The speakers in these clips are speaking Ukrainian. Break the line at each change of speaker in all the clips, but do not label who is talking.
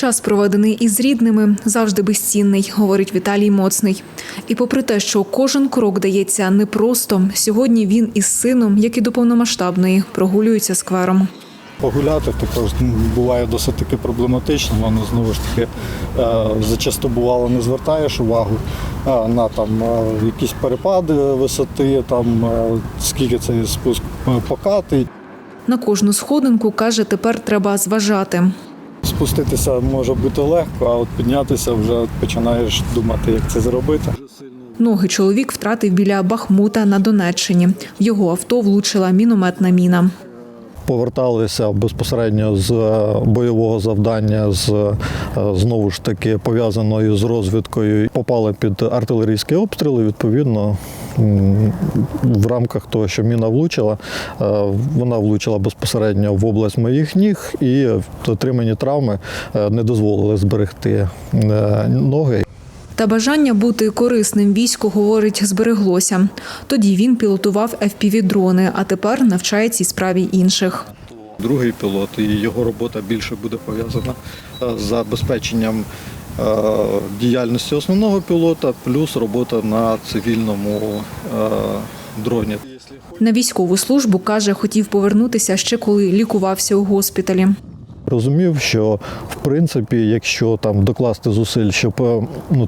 Час, проведений із рідними, завжди безцінний, говорить Віталій Моцний. І попри те, що кожен крок дається непросто, сьогодні він із сином, як і до повномасштабної, прогулюється сквером.
Погуляти також буває досить таки проблематично, воно знову ж таки зачасто бувало не звертаєш увагу на якісь перепади висоти, скільки цей спуск покатий.
На кожну сходинку, каже, тепер треба зважати.
Спуститися може бути легко, а от піднятися вже починаєш думати, як це зробити.
Ноги чоловік втратив біля Бахмута на Донеччині. В його авто влучила мінометна міна.
Поверталися безпосередньо з бойового завдання, знову ж таки пов'язаною з розвідкою. Попали під артилерійські обстріли, відповідно, в рамках того, що міна влучила, вона влучила безпосередньо в область моїх ніг і отримані травми не дозволили зберегти ноги.
Та бажання бути корисним війську, говорить, збереглося. Тоді він пілотував FPV-дрони, а тепер навчає цій справі інших.
Другий пілот, і його робота більше буде пов'язана з забезпеченням діяльності основного пілота, плюс робота на цивільному дроні.
На військову службу, каже, хотів повернутися ще коли лікувався у госпіталі.
Розумів, що в принципі, якщо докласти зусиль, щоб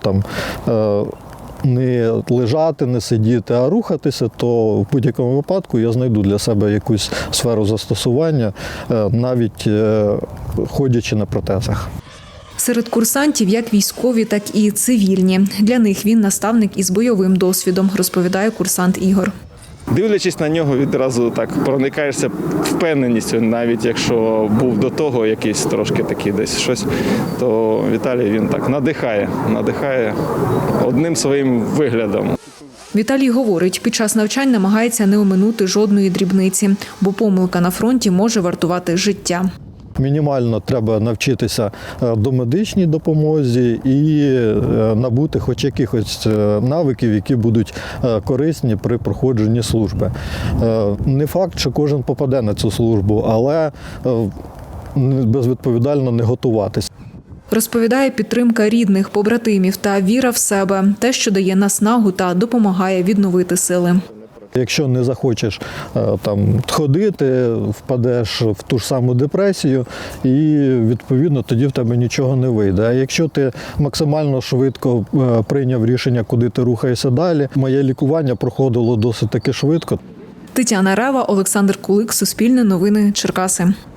не лежати, не сидіти, а рухатися, то в будь-якому випадку я знайду для себе якусь сферу застосування, навіть ходячи на протезах.
Серед курсантів як військові, так і цивільні. Для них він наставник із бойовим досвідом, розповідає курсант Ігор.
Дивлячись на нього, відразу так проникаєшся впевненістю, навіть якщо був до того якийсь трошки такий десь щось, то Віталій він так надихає одним своїм виглядом.
Віталій говорить, під час навчань намагається не оминути жодної дрібниці, бо помилка на фронті може вартувати життя.
Мінімально треба навчитися домедичній допомозі і набути хоч якихось навиків, які будуть корисні при проходженні служби. Не факт, що кожен попаде на цю службу, але безвідповідально не готуватися.
Розповідає, підтримка рідних, побратимів та віра в себе – те, що дає наснагу та допомагає відновити сили.
Якщо не захочеш ходити, впадеш в ту ж саму депресію і, відповідно, тоді в тебе нічого не вийде. А якщо ти максимально швидко прийняв рішення, куди ти рухаєшся далі, моє лікування проходило досить таки швидко.
Тетяна Рева, Олександр Кулик, Суспільне новини, Черкаси.